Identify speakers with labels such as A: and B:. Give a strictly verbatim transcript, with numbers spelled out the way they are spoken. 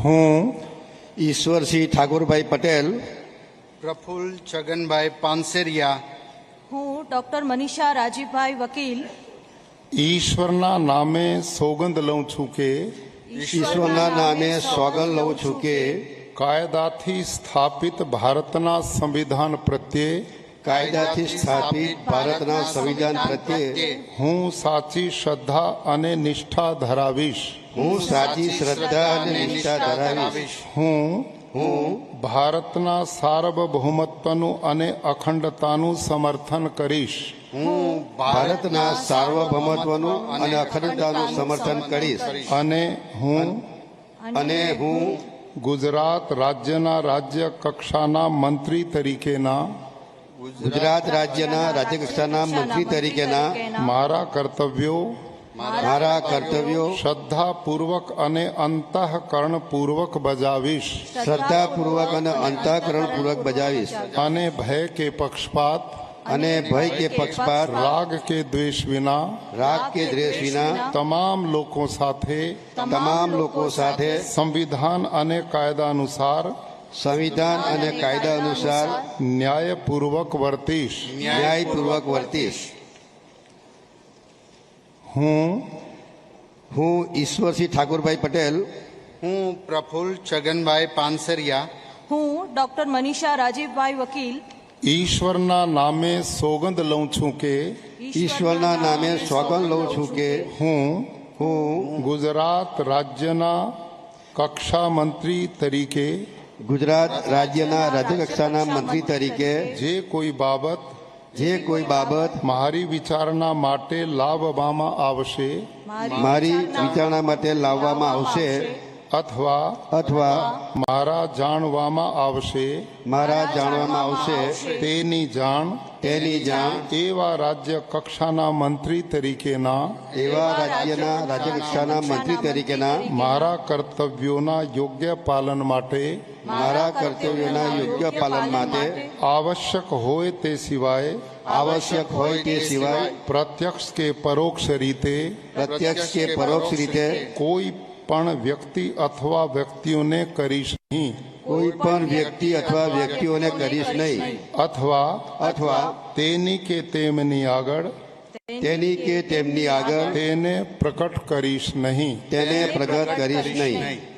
A: હું
B: ઈશ્વરસિંહ ઠાકોરભાઈ પટેલ,
C: પ્રફુલ્લ છગનભાઈ પાનસેરિયા,
D: હું ડોક્ટર મનીષા રાજીભાઈ વકીલ
A: ઈશ્વરના નામે સોગંદ લઉં છું કે
B: ઈશ્વરના નામે સોગંદ લઉં છું કે
A: કાયદાથી સ્થાપિત ભારતના સંવિધાન પ્રત્યે
B: કાયદાથી સ્થાપિત ભારતના સંવિધાન પ્રત્યે
A: હું સાચી શ્રદ્ધા અને નિષ્ઠા ધરાવીશ.
B: હું સાચી શ્રદ્ધા અને નિષ્ઠા ધરાવીશ.
A: હું
B: હું
A: ભારતના સાર્વભૌમત્વનું અને અખંડતાનું સમર્થન કરીશ.
B: હું ભારતના સાર્વભૌમત્વનું અને અખંડતાનું સમર્થન કરીશ.
A: અને હું
B: અને હું
A: ગુજરાત રાજ્યના રાજ્ય કક્ષાના મંત્રી તરીકેના
B: ગુજરાત રાજ્યના રાજ્યકક્ષાના મંત્રી તરીકેના
A: મારા કર્તવ્યો
B: મારા કર્તવ્યો
A: શ્રદ્ધાપૂર્વક અને અંતઃકરણપૂર્વક બજાવીશ.
B: શ્રદ્ધાપૂર્વક અને અંતઃકરણપૂર્વક બજાવીશ.
A: અને ભય કે પક્ષપાત
B: અને ભય કે પક્ષપાત
A: રાગ કે દ્વેષ વિના
B: રાગ કે દ્વેષ વિના
A: તમામ લોકો સાથે
B: તમામ લોકો સાથે
A: સંવિધાન અને કાયદા અનુસાર
B: સંવિધાન અને કાયદા અનુસાર
A: ન્યાયપૂર્વક વર્તીશ.
B: ન્યાયપૂર્વક વર્તીશ.
A: હું
B: હું ઈશ્વરસિંહ ઠાકોરભાઈ પટેલ,
C: હું પ્રફુલ્લ છગનભાઈ પાનસેરિયા,
D: હું ડોક્ટર મનીષા રાજીભાઈ વકીલ
A: ઈશ્વરના નામે સોગંદ લઉં છું કે
B: ઈશ્વરના નામે સોગંદ લઉં છું કે
A: હું
B: હું
A: ગુજરાત રાજ્યના કક્ષા મંત્રી તરીકે
B: ગુજરાત રાજ્યના રાજ્યકક્ષાના મંત્રી તરીકે
A: જે કોઈ બાબત
B: જે કોઈ બાબત
A: મારી વિચારણા માટે લાવવામાં આવશે
B: મારી વિચારણા માટે લાવવામાં આવશે
A: અથવા
B: અથવા
A: મારા જાણવામાં આવશે
B: મારા જાણવામાં આવશે
A: તેની જાણ
B: તેની જાણ
A: એવા રાજ્ય કક્ષાના મંત્રી તરીકેના
B: એવા રાજ્યના રાજ્યકક્ષાના મંત્રી તરીકેના
A: મારા કર્તવ્યોના યોગ્ય પાલન માટે
B: મારા કર્તવ્યોના યોગ્ય પાલન માટે
A: આવશ્યક હોય તે સિવાય
B: આવશ્યક હોય તે સિવાય
A: પ્રત્યક્ષ કે પરોક્ષ રીતે
B: પ્રત્યક્ષ કે પરોક્ષ રીતે
A: કોઈ પણ વ્યક્તિ અથવા વ્યક્તિઓને કરીશ નહીં.
B: કોઈ પણ વ્યક્તિ અથવા વ્યક્તિઓને કરીશ નહીં.
A: અથવા
B: અથવા
A: તેની કે તેમની આગળ
B: તેની કે તેમની આગળ
A: તેને પ્રકટ કરીશ નહીં.
B: તેને પ્રગટ કરીશ નહીં.